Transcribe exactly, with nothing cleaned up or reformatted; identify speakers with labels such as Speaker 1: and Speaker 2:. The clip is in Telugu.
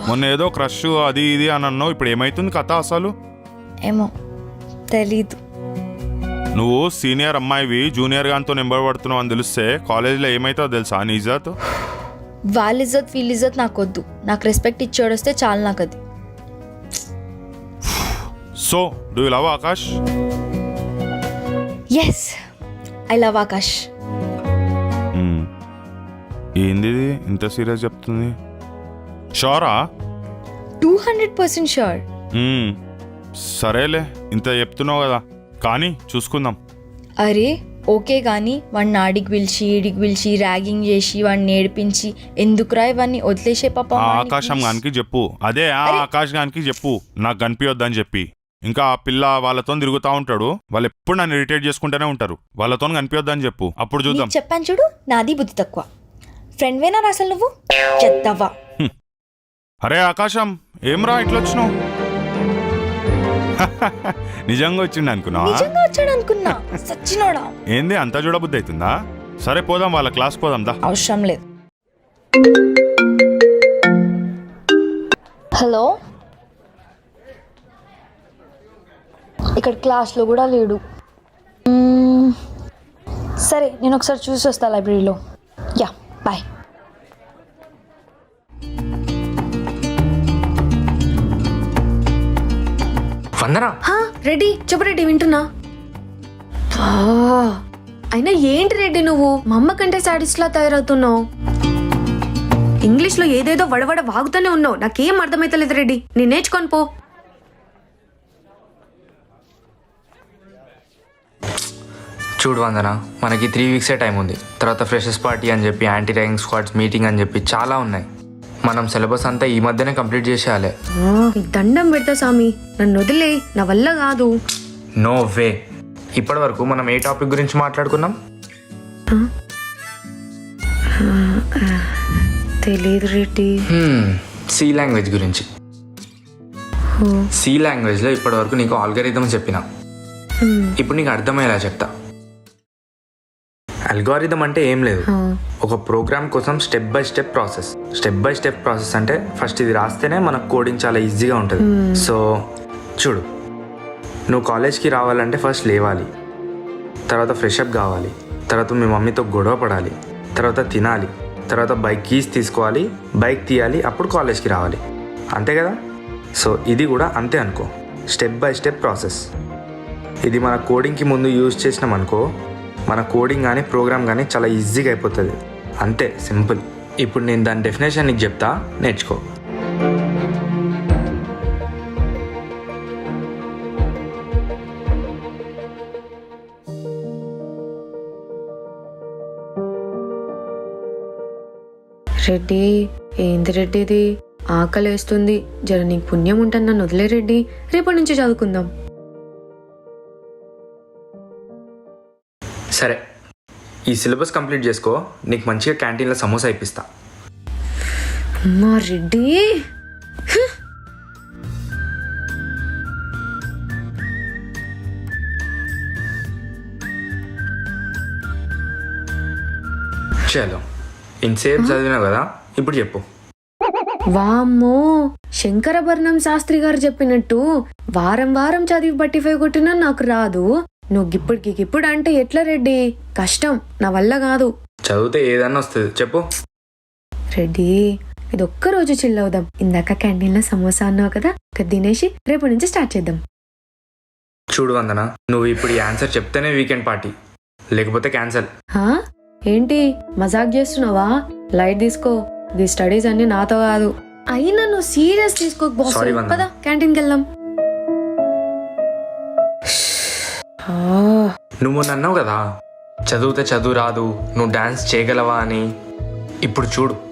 Speaker 1: మొన్న ఏదో క్రష్ అది ఇది అని అన్నావు, ఇప్పుడు ఏమైతుంది కథ అసలు?
Speaker 2: ఏమో తెలీదు.
Speaker 1: నువ్వు సీనియర్ అమ్మాయివి జూనియర్ గానితో నెంబర్ పడుతున్నావు అని తెలిస్తే కాలేజీలో ఏమైతుందో తెలుసా నీ ఇజ్జత్?
Speaker 2: వాళ్ళ ఇజ్జత్ వీళ్ళ ఇజ్జత్ నాకు వద్దు, నాకు రెస్పెక్ట్ ఇచ్చేడొస్తే చాలు నాకు అది.
Speaker 1: So do you love Akash?
Speaker 2: Yes, I love Akash.
Speaker 1: ఏంది ఇది ఇంత సీరియస్ చెప్తుంది? షోరా?
Speaker 2: Two hundred percent sure.
Speaker 1: సరేలే, ఇంత చెప్తున్నావు కదా, కానీ చూసుకుందాం.
Speaker 2: అరే ఓకే, కానీ వాడిని ఆడికి పిలిచి ఈడికి పిలిచి ర్యాగింగ్ చేసి వాడిని నేర్పించి ఎందుకురా ఇవన్నీ వదిలేసే పాప.
Speaker 1: ఆకాశం గానికి చెప్పు, అదే ఆ ఆకాష్ గానికి చెప్పు నాకు కనిపించొద్దని చెప్పి. ఇంకా ఆ పిల్ల వాళ్ళతో తిరుగుతూ ఉంటాడు, వాళ్ళు ఎప్పుడు నన్ను ఇరిటేట్ చేసుకుంటూనే ఉంటారు, వాళ్ళతో కనిపించొద్దని చెప్పు, అప్పుడు చూద్దాం.
Speaker 2: చెప్పాను చూడు, నాది బుద్ధి తక్కువ. ఫ్రెండ్ వేనా అసలు నువ్వు? చెత్తవా.
Speaker 1: అరే ఆకాశం, ఏమ్రా ఇట్లా వచ్చినావు? నిజంగా వచ్చిండు అనుకున్నా?
Speaker 2: నిజంగా వచ్చాడు అనుకున్నా. సచ్చినోడా.
Speaker 1: ఏంది అంతా చూడబుద్ధి అవుతుందా? సరే పోదాం, వాళ్ళ క్లాస్ పోదాం దా.
Speaker 2: అవసరం లేదు. హలో, ఇక్కడ క్లాస్లో కూడా లేడు. సరే నేను ఒకసారి చూసి వస్తా లైబ్రరీలో. Yeah bye.
Speaker 3: వందనా.
Speaker 4: రెడ్డి చెప్పు రెడ్డి, వింటున్నా. అయినా ఏంటి రెడ్డి నువ్వు మా అమ్మ కంటే సాడిస్ట్ లా తయారవుతున్నావు. ఇంగ్లీష్ లో ఏదేదో వడవడ వాగుతూనే ఉన్నావు, నాకేం అర్థమైతలేదు రెడ్డి, నేను నేర్చుకొని పో.
Speaker 3: చూడు వందన, మనకి త్రీ వీక్సే టైం ఉంది. తర్వాత ఫ్రెషర్స్ పార్టీ అని చెప్పి, యాంటీ ర్యాగింగ్ స్క్వాడ్స్ మీటింగ్ అని చెప్పి చాలా ఉన్నాయి. మనం సిలబస్ అంతా ఈ మధ్యనే కంప్లీట్ చేసేయాలి.
Speaker 4: దండం పెడతా సామి, నన్ను వదిలే, నా వల్ల కాదు.
Speaker 3: No way. ఇప్పటి వరకు మనం ఏ టాపిక్ గురించి మాట్లాడుకున్నాం?
Speaker 4: తెలియదు రెడ్డి.
Speaker 3: సి లాంగ్వేజ్ గురించి. సి లాంగ్వేజ్లో ఇప్పటి వరకు నీకు ఆల్గరిథం చెప్పిన, ఇప్పుడు నీకు అర్థమయ్యేలా చెప్తా. అల్గారిథం అంటే ఏం లేదు, ఒక ప్రోగ్రామ్ కోసం step by step process. Step by step process అంటే ఫస్ట్ ఇది రాస్తేనే మనకు కోడింగ్ చాలా ఈజీగా ఉంటుంది. సో చూడు, నువ్వు కాలేజ్కి రావాలంటే ఫస్ట్ లేవాలి, తర్వాత ఫ్రెషప్ కావాలి, తర్వాత మీ మమ్మీతో గొడవ పడాలి, తర్వాత తినాలి, తర్వాత బైక్ కీస్ తీసుకోవాలి, బైక్ తీయాలి, అప్పుడు కాలేజ్కి రావాలి. అంతే కదా? సో ఇది కూడా అంతే అనుకో, స్టెప్ బై స్టెప్ ప్రాసెస్. ఇది మన కోడింగ్కి ముందు యూజ్ చేసినాం అనుకో, మన కోడింగ్ కానీ ప్రోగ్రామ్ కానీ చాలా ఈజీగా అయిపోతుంది. అంతే, సింపుల్. ఇప్పుడు నేను దాని డెఫినేషన్ నీకు చెప్తా, నేర్చుకో.
Speaker 4: రెడ్డి ఏంది రెడ్డి ఇది, ఆకలి వేస్తుంది, జర నీకు పుణ్యం ఉంటుంది నన్ను వదిలే రెడ్డి, రేపటి నుంచి చదువుకుందాం.
Speaker 3: సరే, ఈ సిలబస్ కంప్లీట్ చేసుకో, నీకు మంచిగా క్యాంటీన్లో సమోసా ఇప్పిస్తా.
Speaker 4: అమ్మా రెడ్డి,
Speaker 3: చలో, ఇంతసేపు చదివినావు కదా, ఇప్పుడు చెప్పు.
Speaker 4: వామ్మో, శంకరభరణం శాస్త్రి గారు చెప్పినట్టు వారం వారం చదివి బట్టి ఫైవ్ కొట్టినా నాకు రాదు, నువ్వు గిప్పుడికి గిప్పుడు అంటే ఎట్లా రెడ్డి? కష్టం, నా వల్ల కాదు.
Speaker 3: చదివితే ఏదన్నా వస్తుంది, చెప్పు.
Speaker 4: రెడ్డి ఇది ఒక్క రోజు చిల్ అవుదాం. ఇందాక క్యాంటీన్లో సమోసా అన్నావు కదా, తినేసి రేపటి నుంచి స్టార్ట్ చేద్దాం.
Speaker 3: చూడు వందన, నువ్వు ఇప్పుడు ఈ ఆన్సర్ చెప్తేనే వీకెండ్ పార్టీ, లేకపోతే క్యాన్సల్.
Speaker 4: హా ఏంటి మజాక్ చేస్తున్నావా? లైట్ తీసుకో, ది స్టడీస్ అన్ని నాతో కాదు. అయినా నువ్వు సీరియస్ తీసుకోక బాస్, పద క్యాంటీన్కి వెళ్దాం.
Speaker 3: నువ్వు నన్నావు కదా, చదివితే చదువు రాదు, నువ్వు డాన్స్ చేయగలవా అని. ఇప్పుడు చూడు,